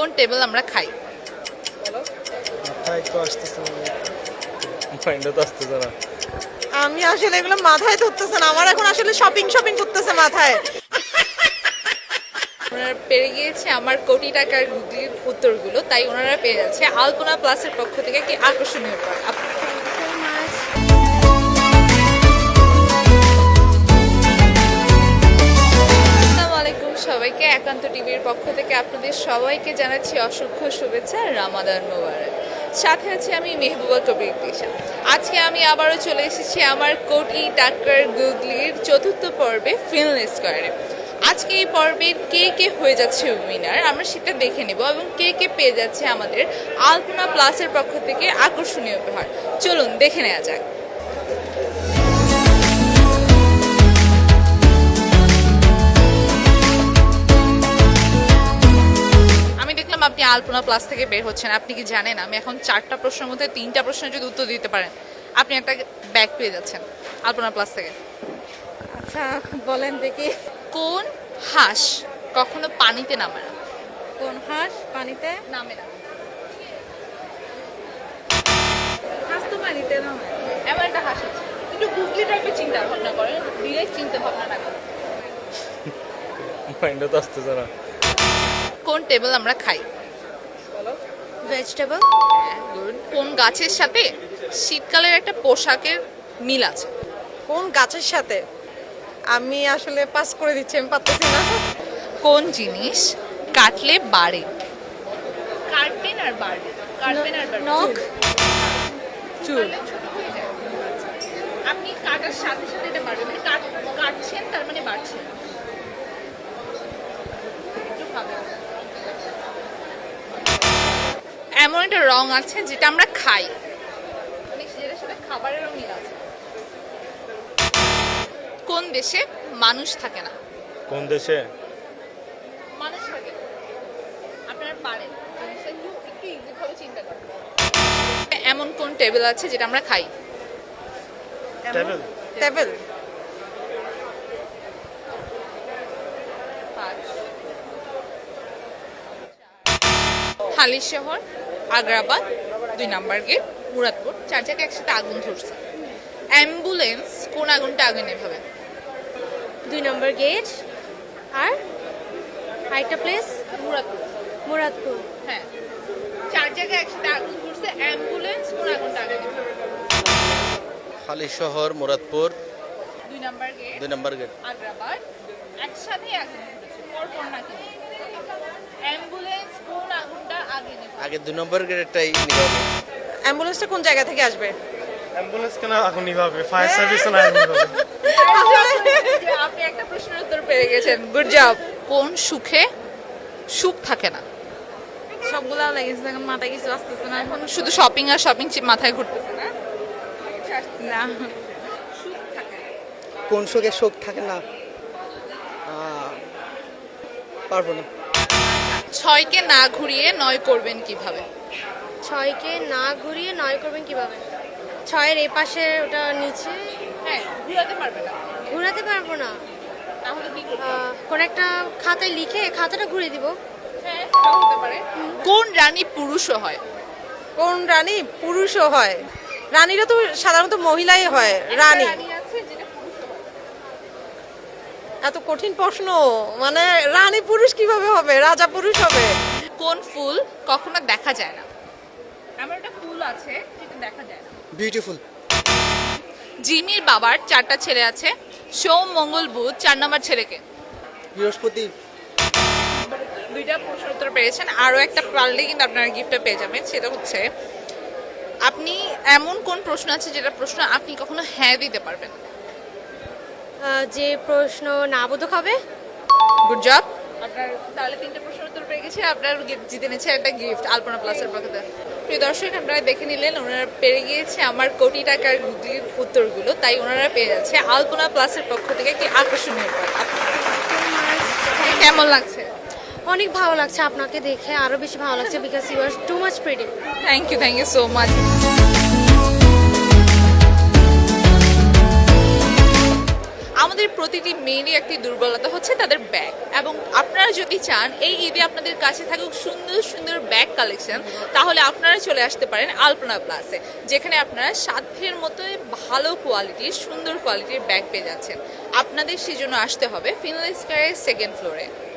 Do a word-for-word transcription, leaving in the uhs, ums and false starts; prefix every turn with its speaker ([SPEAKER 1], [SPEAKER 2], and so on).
[SPEAKER 1] কোন টেবিল আমরা খাই?
[SPEAKER 2] মাথায় তো আসতেছে না, মাইন্ডে তো আসতেছে না।
[SPEAKER 3] আমি আসলে এগুলো মাথায় ধরতেছে না, আমার এখন আসলে শপিং শপিং করতেছে মাথায়।
[SPEAKER 1] ওনারা পেরে গিয়েছে আমার কোটি টাকার গুগলির উত্তরগুলো, তাই ওনারা পেয়ে যাচ্ছে আলপনা প্লাসের পক্ষ থেকে কি আকর্ষণীয় উপহার। আপ- আসসালামু আলাইকুম সবাইকে, একান্ত টিভির পক্ষ থেকে আপনাদের সবাইকে জানাচ্ছি অসংখ্য শুভেচ্ছা, রামাদান মোবারক। সাথে আছে আমি মেহবুবা কবির দিশা। আজকে আমি আবারও চলে এসেছি আমার কোটি টাকার গুগলির চতুর্থ পর্বে ফিল্ম স্কোয়ারে। আজকে এই পর্বের কে কে হয়ে যাচ্ছে উইনার আমরা সেটা দেখে নেব, এবং কে কে পেয়ে যাচ্ছে আমাদের আলপনা প্লাসের পক্ষ থেকে আকর্ষণীয় উপহার। চলুন দেখে নেওয়া যাক। আমি দেখলাম আপনি আলপনা প্লাস থেকে বের হচ্ছেন, আপনি কি জানেন আমি এখন চারটা প্রশ্নের মধ্যে তিনটা প্রশ্নের যদি উত্তর দিতে পারেন আপনি একটা ব্যাগ পেয়ে যাচ্ছেন আলপনা প্লাস থেকে।
[SPEAKER 3] আচ্ছা বলেন দেখি।
[SPEAKER 1] কোন হাঁস কখনো পানিতে নামে না?
[SPEAKER 3] কোন হাঁস পানিতে
[SPEAKER 1] নামে না।
[SPEAKER 3] হাঁস তো পানিতে নামে।
[SPEAKER 1] এমন একটা হাঁস আছে, একটু গুগলি টাইপের চিন্তা ভাবনা করেন, ডিরেক্ট চিন্তা ভাবনা না করেন।
[SPEAKER 2] মাইন্ডে তো আসতেছে না।
[SPEAKER 1] কোন টেবিল আমরা খাই?
[SPEAKER 3] ভেজিটেবল।
[SPEAKER 1] গুড। কোন গাছের সাথে শীতকালের একটা পোশাকের মিল আছে?
[SPEAKER 3] কোন গাছের সাথে? আমি আসলে পাস করে দিচ্ছি, আমি পারতেছি না।
[SPEAKER 1] কোন জিনিস কাটলে বাড়ে? কাটবেন আর বাড়বে, কাটবেন আর বাড়বে।
[SPEAKER 3] নখ। চুল।
[SPEAKER 1] কাটলে ছোট হয়ে যায়। আপনি কাটার সাথে সাথে এটা বাড়বে, মানে কাট কাটছেন তার মানে বাড়ছে। একটু ভাবেন। এমন একটা রং আছে যেটা আমরা খাই, মানে যেটার সাথে খাবারেরও মিল আছে। কোন দেশে মানুষ থাকে না?
[SPEAKER 2] কোন দেশে?
[SPEAKER 1] মানুষ থাকে, আপনারা পারেন জিনিসটা একটু একটু ইজি ভাবে চিন্তা করেন। এমন কোন টেবিল আছে যেটা আমরা খাই?
[SPEAKER 2] Table.
[SPEAKER 3] Table.
[SPEAKER 1] Halishahar, Agrabad, দুই নাম্বার গেট, মুরাদপুর, চার জায়গায় একসাথে আগুন ধরছে। অ্যাম্বুলেন্স কোন আগুনটা আগে নেভাবে?
[SPEAKER 4] দুই নম্বর গেট আর আরেকটা প্লেস
[SPEAKER 1] মুরাদপুর।
[SPEAKER 4] মুরাদপুর।
[SPEAKER 1] হ্যাঁ, চার জায়গায় একসাথে আগুন ধরছে, অ্যাম্বুলেন্স কোন আগুনটা আগে নেভাবে?
[SPEAKER 5] হালি শহর, মুরাদপুর,
[SPEAKER 1] দুই নাম্বার গেট,
[SPEAKER 5] দুই নম্বর গেট।
[SPEAKER 1] আগ্রাবাদ, একসাথে আগুন ধরেছে, পরপর না কিন্তু। অ্যাম্বুলেন্স কোন আগুনটা আগে নেভাবে?
[SPEAKER 5] আগে দুই নম্বর গেটটাই নিবে।
[SPEAKER 3] অ্যাম্বুলেন্সটা কোন জায়গা থেকে আসবে?
[SPEAKER 2] অ্যাম্বুলেন্স কেন আগুন নিভাবে? ফায়ার সার্ভিস না আগুন নিভাবে?
[SPEAKER 1] আপনি একটা প্রশ্নের উত্তর পেয়ে গেছেন, গুড জব। কোন সুখে সুখ থাকে না?
[SPEAKER 3] সবগুলা লেগেছে, এখন মাথায় কিছু আসতেছে না।
[SPEAKER 1] এখন শুধু শপিং আর শপিং মাথায় ঘুরতেছে না?
[SPEAKER 3] না।
[SPEAKER 1] সুখ থাকে না।
[SPEAKER 6] কোন সুখে সুখ থাকে না? আহ, পারবো না।
[SPEAKER 1] ছয়কে না ঘুরিয়ে নয় করবেন কিভাবে?
[SPEAKER 4] ছয়কে না ঘুরিয়ে নয় করবেন কিভাবে? ছয়ের এই পাশে ওটা নিচে
[SPEAKER 1] হ্যাঁ, ঘুরাতে পারবে না,
[SPEAKER 4] ঘোরাতে পারবো না।
[SPEAKER 1] তাহলে কি করবে?
[SPEAKER 4] আহ, কোন একটা খাতায় লিখে খাতাটা ঘুরিয়ে দিব।
[SPEAKER 1] হ্যাঁ, সেটাও হতে পারে। কোন রানী পুরুষও হয়?
[SPEAKER 3] কোন রানী পুরুষও হয়? রানীরা তো সাধারণত মহিলাই হয়। রানী।
[SPEAKER 1] রানী আছে যেটা পুরুষও হয়।
[SPEAKER 3] এত কঠিন প্রশ্ন, মানে রানী পুরুষ কিভাবে হবে? রাজা পুরুষ হবে।
[SPEAKER 1] কোন ফুল কখনো দেখা যায় না? আমার একটা ফুল আছে যেটা দেখা যায় না।
[SPEAKER 6] বিউটিফুল।
[SPEAKER 1] জিমির বাবার চারটা ছেলে আছে, সোম, মঙ্গল, বুধ, চার নম্বর ছেলেকে।
[SPEAKER 6] বৃহস্পতি।
[SPEAKER 1] দুইটা প্রশ্ন উত্তর পেয়েছেন, আরও একটা পারলে কিন্তু আপনারা গিফটটা পেয়ে যাবেন। সেটা হচ্ছে আপনি এমন কোন প্রশ্ন আছে যেটা প্রশ্ন আপনি কখনো হ্যাঁ দিতে পারবেন?
[SPEAKER 4] আহ, যে প্রশ্ন না বোধক হবে।
[SPEAKER 1] Good job. আপনার তাহলে তিনটে প্রশ্নের উত্তর পেয়ে গেছে, আপনার gift জিতে নিচ্ছে একটা গিফট আলপনা প্লাসের পক্ষ থেকে। প্রিয় দর্শক, আপনারা দেখে নিলেন ওনারা পেরে গিয়েছে আমার কোটি টাকার গুগলির উত্তরগুলো, তাই ওনারা পেয়ে যাচ্ছে আলপনা প্লাসের পক্ষ থেকে কি আকর্ষণীয় উপহার। আপনার কেমন লাগছে?
[SPEAKER 4] অনেক ভালো লাগছে, আপনাকে দেখে আরো বেশি ভালো লাগছে, because you are too much pretty.
[SPEAKER 1] Thank you, thank you so much. আমাদের প্রতিটি মেয়েরই একটি দুর্বলতা হচ্ছে তাদের ব্যাগ, এবং আপনারা যদি চান এই ঈদে আপনাদের কাছে থাকুক সুন্দর সুন্দর ব্যাগ কালেকশন, তাহলে আপনারা চলে আসতে পারেন আলপনা প্লাসে, যেখানে আপনারা সাধ্যের মতো ভালো কোয়ালিটির সুন্দর কোয়ালিটির ব্যাগ পেয়ে যাচ্ছেন। আপনাদের সেজন্য আসতে হবে ফিনাল স্কয়ারের সেকেন্ড ফ্লোরে।